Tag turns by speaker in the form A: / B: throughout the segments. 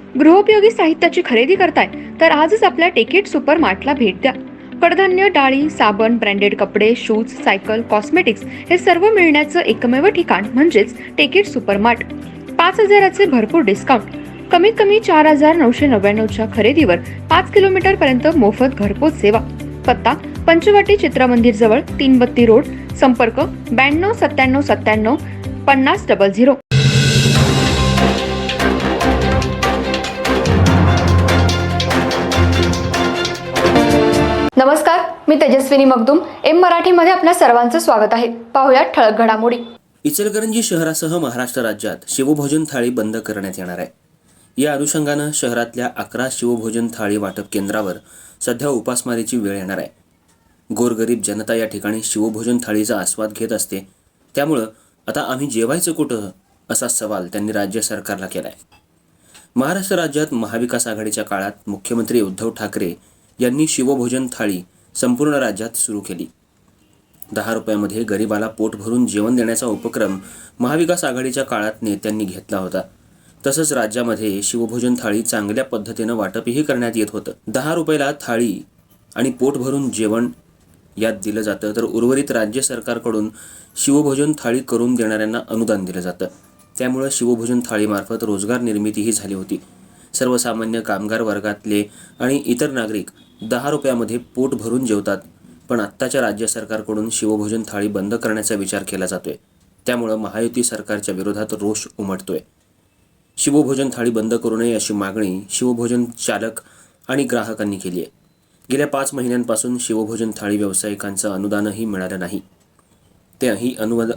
A: गृहोपयोगी साहित्याची खरेदी करताय तर आजच आपल्या टेकेट सुपर मार्टला भेट द्या. कडधान्य, डाळी, साबण, ब्रँडेड कपडे, शूज, सायकल, कॉस्मेटिक्स हे सर्व मिळण्याचं एकमेव ठिकाण म्हणजेच टेकेट सुपर मार्ट. 5,000चे भरपूर डिस्काउंट. कमीत कमी 4,999च्या खरेदीवर 5 किलोमीटर पर्यंत मोफत घरपोच सेवा. पत्ता पंचवटी चित्रमंदिर जवळ, 332 रोड. संपर्क 92 97 97 50 00. नमस्कार, मी तेजस्विनी मगदूम. एम मराठीमध्ये आपल्या सर्वांचं स्वागत आहे. पाहुयात ठळक घडामोडी.
B: इचलकरंजी शहरासह महाराष्ट्र राज्यात शिवभोजन थाळी बंद करण्यात येणार आहे. या अनुषंगानं शहरातल्या 11 शिवभोजन थाळी वाटप केंद्रावर सध्या उपासमारीची वेळ येणार आहे. गोरगरीब जनता या ठिकाणी शिवभोजन थाळीचा आस्वाद घेत असते. त्यामुळं आता आम्ही जेवायचं कुठं, असा सवाल त्यांनी राज्य सरकारला केलाय. महाराष्ट्र राज्यात महाविकास आघाडीच्या काळात मुख्यमंत्री उद्धव ठाकरे यांनी शिवभोजन थाळी संपूर्ण राज्यात सुरू केली. 10 रुपयामध्ये गरिबाला पोट भरून जेवण देण्याचा उपक्रम महाविकास आघाडीच्या काळात नेत्यांनी घेतला होता. तसंच राज्यामध्ये शिवभोजन थाळी चांगल्या पद्धतीनं वाटपही करण्यात येत होतं. 10 रुपयाला थाळी आणि पोट भरून जेवण यात दिलं जातं, तर उर्वरित राज्य सरकारकडून शिवभोजन थाळी करून देणाऱ्यांना अनुदान दिलं जातं. त्यामुळं शिवभोजन थाळीमार्फत रोजगार निर्मितीही झाली होती. सर्वसामान्य कामगार वर्गातले आणि इतर नागरिक 10 रुपयामध्ये पोट भरून जेवतात. पण आत्ताच्या राज्य सरकारकडून शिवभोजन थाळी बंद करण्याचा विचार केला जातोय. त्यामुळं महायुती सरकारच्या विरोधात रोष उमटतोय. शिवभोजन थाळी बंद करू नये अशी मागणी शिवभोजन चालक आणि ग्राहकांनी केली आहे. गेल्या 5 महिन्यांपासून शिवभोजन थाळी व्यावसायिकांचं अनुदानही मिळालं नाही. तेही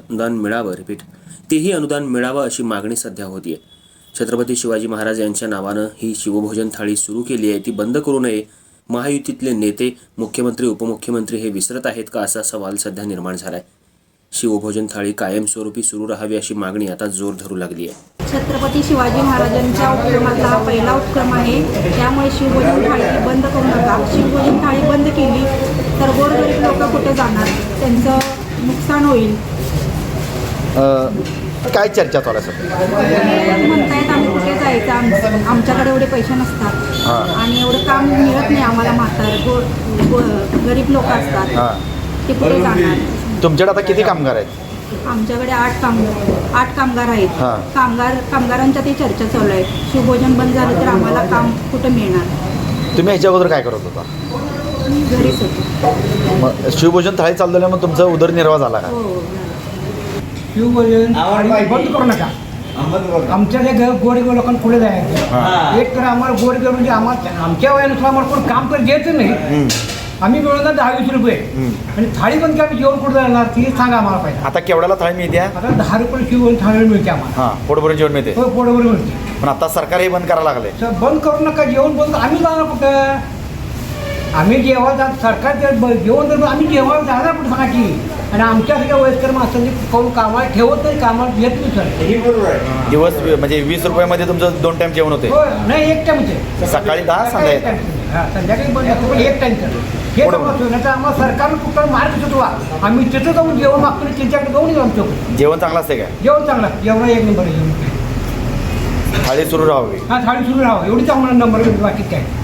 B: अनुदान मिळावं अशी मागणी सध्या होतीये. छत्रपती शिवाजी महाराज यांच्या नावानं ही शिवभोजन थाळी सुरू केली आहे, ती बंद करू नये. महायुतीतले नेते, मुख्यमंत्री, उपमुख्यमंत्री हे विसरत आहेत का, असा सवाल सध्या निर्माण झालाय. शिवभोजन थाळी कायमस्वरूपी सुरू राहावी अशी मागणी आता जोर धरू लागली आहे.
C: छत्रपती शिवाजी महाराजांच्या उपक्रमातला हा पहिला उपक्रम आहे. त्यामुळे शिवभोजन थाळी बंद करू नका. शिवभोजन थाळी बंद केली तर गोरगरीब लोक कुठे जाणार, त्यांचं नुकसान होईल.
D: काय चर्चा चालू आहे
C: म्हणतायत आम्ही कुठे जायचं, आमच्याकडे एवढे पैसे नसतात आणि एवढं काम मिळत नाही आम्हाला. गरीब लोक असतात, ते कुठे जाणार.
D: तुमच्याकडे आता किती कामगार आहेत?
C: आमच्याकडे 8 कामगार आहेत. कामगारांच्या ते चर्चा चालू आहे. शिवभोजन बंद झालं तर आम्हाला काम कुठे मिळणार.
D: तुम्ही ह्याच्या अगोदर काय करत होता?
C: घरीच होतो.
D: मग शिवभोजन थाळी चालू झाल्यामुळे तुमचा उदरनिर्वाह झाला का?
E: शिवभोजन बंद करू नका. आमच्या गोरगरीब लोकांना पुढे जायचं. एक तर आम्हाला गोरगरीब म्हणजे आमच्या वयानुसार आम्हाला कोण काम कर द्यायचं नाही. आम्ही मिळवणार 10-20 रुपये आणि थाळी पण काय जेवण कुठं जाणार ती सांगा आम्हाला पाहिजे.
D: आता केवढ्याला थाळी मिळते?
C: आता 10 रुपये शिवभोजन थाळी मिळते आम्हाला.
D: पोटभरून जेवण मिळते.
C: हो, पोटभर मिळते.
D: पण आता सरकार हे बंद करायला लागले.
C: बंद करू नका. जेवण बंद आम्ही जाणार कुठं? आम्ही जेव्हा सरकार जेवण तर आम्ही जेव्हा जाणार कुठं सांगा की. आणि आमच्यासारख्या वयस्कर माणसांनी कोण कामाला ठेवत नाही, कामाला येत नाही सर.
D: दिवस म्हणजे 20 रुपयामध्ये तुमचं 2 टाइम जेवण होते?
C: नाही, 1 टाइमचे.
D: सकाळी 10, संध्याकाळी.
C: संध्याकाळी बंद असतो, 1 टाइमचं. हे नाही तर आम्हाला सरकारनं कुठला मार्ग सुचवा. आम्ही तिथं जाऊन जेवण मागतो, त्यांच्याकडे जाऊन येऊ. आमच्याकडे
D: जेवण चांगलं असते काय?
C: जेवण चांगलं, जेवण 1 नंबर.
D: थाळी सुरू राहावी.
C: थाळी सुरू राहावं एवढी चांगला नंबर. बाकी काय